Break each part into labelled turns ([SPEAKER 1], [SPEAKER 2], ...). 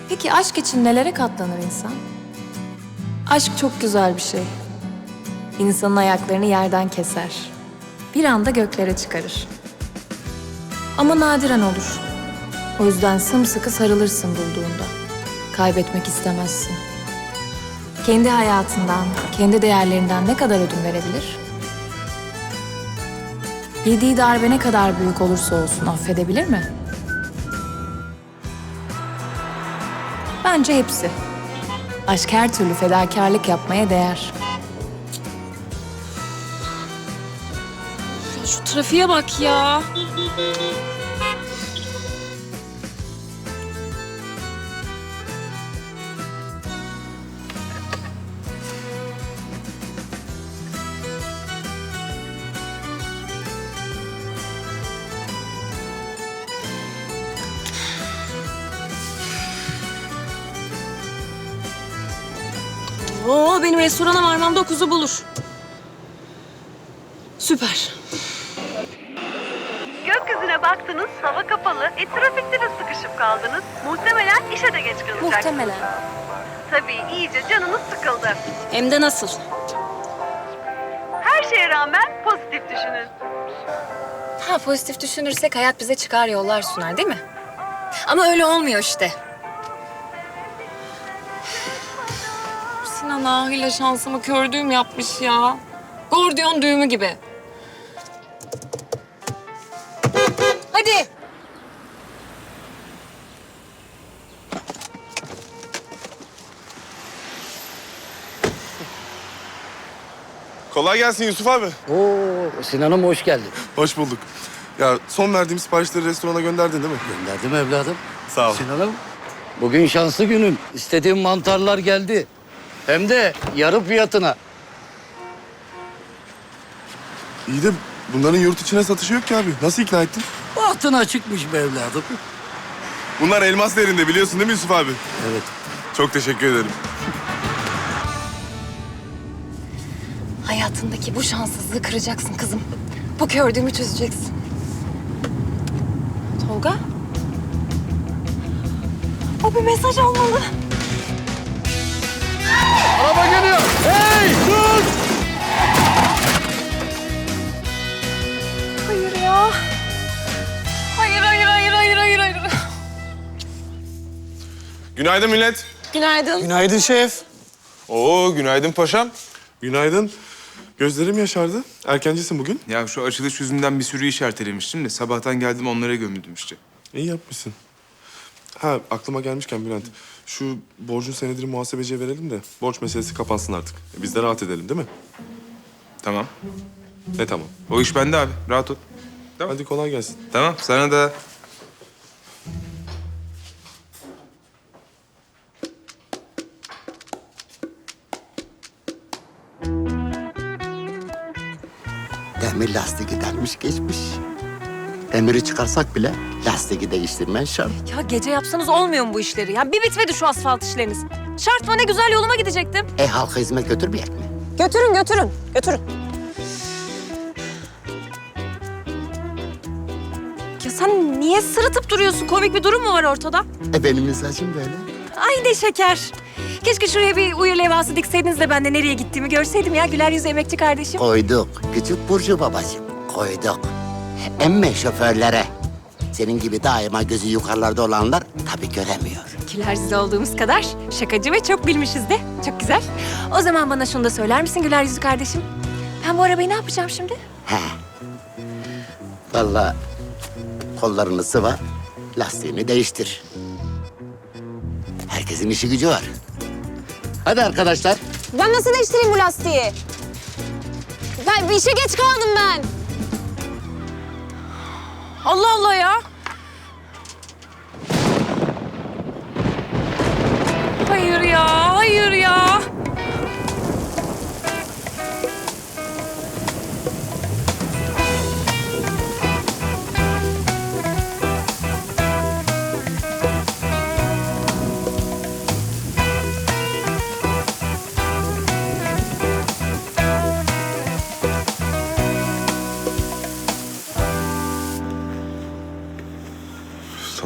[SPEAKER 1] Peki aşk için nelere katlanır insan? Aşk çok güzel bir şey. İnsanın ayaklarını yerden keser. Bir anda göklere çıkarır. Ama nadiren olur. O yüzden sımsıkı sarılırsın bulduğunda. Kaybetmek istemezsin. Kendi hayatından, kendi değerlerinden ne kadar ödün verebilir? Yediği darbe ne kadar büyük olursa olsun affedebilir mi? Bence hepsi. Aşk her türlü fedakarlık yapmaya değer.
[SPEAKER 2] Ya şu trafiğe bak ya. Oo, benim restorana varmam 9'u bulur. Süper.
[SPEAKER 3] Gökyüzüne baktınız, hava kapalı. Trafikte de sıkışıp kaldınız. Muhtemelen işe de geç kalacaksınız.
[SPEAKER 1] Muhtemelen.
[SPEAKER 3] Tabii iyice canınız sıkıldı.
[SPEAKER 2] Hem de nasıl?
[SPEAKER 3] Her şeye rağmen pozitif düşünün.
[SPEAKER 1] Ha, pozitif düşünürsek hayat bize çıkar yollar sunar değil mi? Ama öyle olmuyor işte.
[SPEAKER 2] Sinan ahıyla şansımı kör düğüm yapmış ya. Gordiyon düğümü gibi. Hadi.
[SPEAKER 4] Kolay gelsin Yusuf abi.
[SPEAKER 5] Oo, Sinan'ım hoş geldin.
[SPEAKER 4] Hoş bulduk. Ya son verdiğim siparişleri restorana gönderdin değil mi?
[SPEAKER 5] Gönderdim evladım.
[SPEAKER 4] Sağ ol.
[SPEAKER 5] Sinan'ım, bugün şanslı günün. İstediğim mantarlar geldi. Hem de yarı fiyatına.
[SPEAKER 4] İyi de bunların yurt içine satışı yok ki abi. Nasıl ikna ettin?
[SPEAKER 5] Bahtına çıkmış be evladım.
[SPEAKER 4] Bunlar elmas değerinde biliyorsun değil mi Yusuf abi?
[SPEAKER 5] Evet.
[SPEAKER 4] Çok teşekkür ederim.
[SPEAKER 1] Hayatındaki bu şanssızlığı kıracaksın kızım. Bu gördüğümü çözeceksin. Tolga? O bir mesaj almalı.
[SPEAKER 5] Araba geliyor. Hey, dur!
[SPEAKER 1] Hayır ya. Hayır, hayır, hayır, hayır, hayır, hayır.
[SPEAKER 4] Günaydın millet.
[SPEAKER 2] Günaydın.
[SPEAKER 6] Günaydın şef.
[SPEAKER 4] Oo günaydın paşam. Günaydın. Gözlerim yaşardı. Erkencisin bugün.
[SPEAKER 7] Ya şu açılış yüzünden bir sürü iş ertelemiştim de sabahtan geldim onlara gömüldüm işte.
[SPEAKER 4] İyi yapmışsın. Ha aklıma gelmişken Bülent. Şu borcun senedini muhasebeciye verelim de borç meselesi kapansın artık. Biz de rahat edelim değil mi?
[SPEAKER 7] Tamam.
[SPEAKER 4] Ne tamam.
[SPEAKER 7] O iş bende abi. Rahat ol.
[SPEAKER 4] Hadi kolay gelsin.
[SPEAKER 7] Tamam sana da.
[SPEAKER 8] Demir lastiği delmiş geçmiş. Demiri çıkarsak bile lastiği değiştirmen şart.
[SPEAKER 2] Ya gece yapsanız olmuyor mu bu işleri? Ya bir bitmedi şu asfalt işleriniz. Şart mı ne güzel yoluma gidecektim.
[SPEAKER 8] Halka hizmet götürmeyecek mi?
[SPEAKER 2] Götürün, götürün, götürün. Ya sen niye sırıtıp duruyorsun? Komik bir durum mu var ortada?
[SPEAKER 8] Benim mesajım böyle.
[SPEAKER 2] Ay ne şeker. Keşke şuraya bir uyur levhası dikseydiniz de ben de nereye gittiğimi görseydim ya. Güler yüzlü emekçi kardeşim.
[SPEAKER 8] Koyduk. Küçük Burcu babacığım. Koyduk. Emme şoförlere. Senin gibi daima gözü yukarılarda olanlar tabii göremiyor.
[SPEAKER 2] Güler yüzlü olduğumuz kadar şakacı ve çok bilmişiz de. Çok güzel. O zaman bana şunu da söyler misin güler yüzlü kardeşim? Ben bu arabayı ne yapacağım şimdi?
[SPEAKER 8] He. Vallahi kollarını sıva, lastiğini değiştir. Herkesin işi gücü var. Hadi arkadaşlar.
[SPEAKER 9] Ben nasıl değiştireyim bu lastiği? Ben bir işe geç kaldım ben.
[SPEAKER 2] Allah Allah ya. Hayır ya, hayır ya.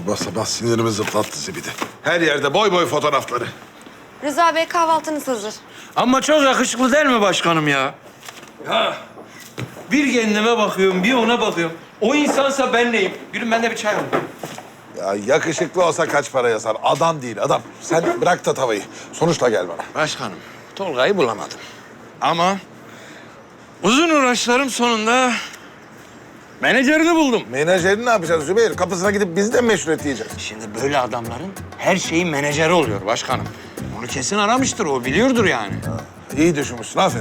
[SPEAKER 6] Sabah sabah sinirimi zırtlattı zibidi. Her yerde boy boy fotoğrafları.
[SPEAKER 9] Rıza Bey kahvaltınız hazır.
[SPEAKER 10] Ama çok yakışıklı değil mi başkanım ya? Ya bir kendime bakıyorum, bir ona bakıyorum. O insansa ben neyim? Gülüm ben de bir çay alayım.
[SPEAKER 6] Ya yakışıklı olsa kaç para yazar? Adam değil adam. Sen bırak da tavayı. Sonuçla gel bana.
[SPEAKER 10] Başkanım, Tolga'yı bulamadım. Ama uzun uğraşlarım sonunda menajerini buldum.
[SPEAKER 6] Menajerini ne yapacağız Zübeyir? Kapısına gidip biz de meşruiyet yiyeceğiz.
[SPEAKER 10] Şimdi böyle adamların her şeyin menajeri oluyor başkanım. Onu kesin aramıştır, o biliyordur yani.
[SPEAKER 6] İyi düşünmüşsün, aferin.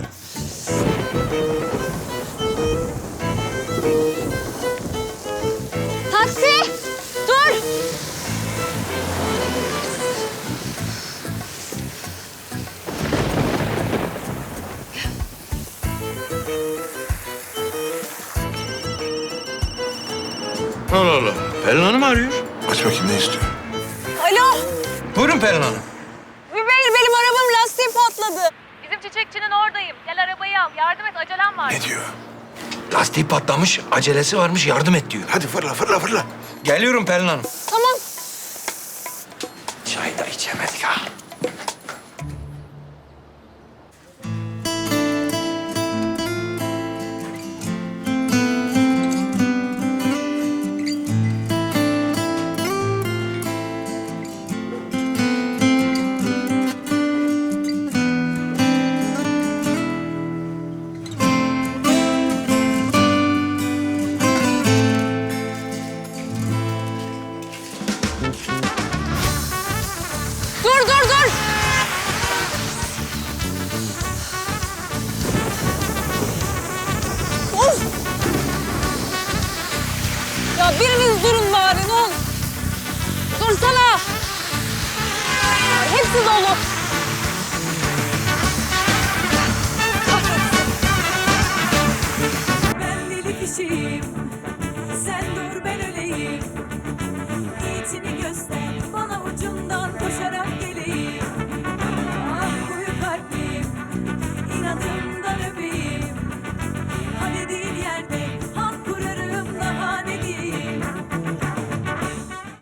[SPEAKER 9] Taksi! Dur!
[SPEAKER 10] Allah Allah. Pelin Hanım arıyor.
[SPEAKER 6] Aç bakayım ne istiyor?
[SPEAKER 9] Alo!
[SPEAKER 10] Buyurun Pelin Hanım.
[SPEAKER 9] Zübeyir benim arabamın lastiği patladı.
[SPEAKER 3] Bizim çiçekçinin oradayım. Gel arabayı al. Yardım et, acelem var.
[SPEAKER 6] Ne diyor?
[SPEAKER 10] Lastiği patlamış, acelesi varmış, yardım et diyor.
[SPEAKER 6] Hadi fırla fırla fırla.
[SPEAKER 10] Geliyorum Pelin Hanım.
[SPEAKER 9] Tamam.
[SPEAKER 10] Çay da içemedik ha.
[SPEAKER 9] Dur dur dur! Of! Ya biriniz durun bari ne olur. Dursana! Ya hepsi dolu.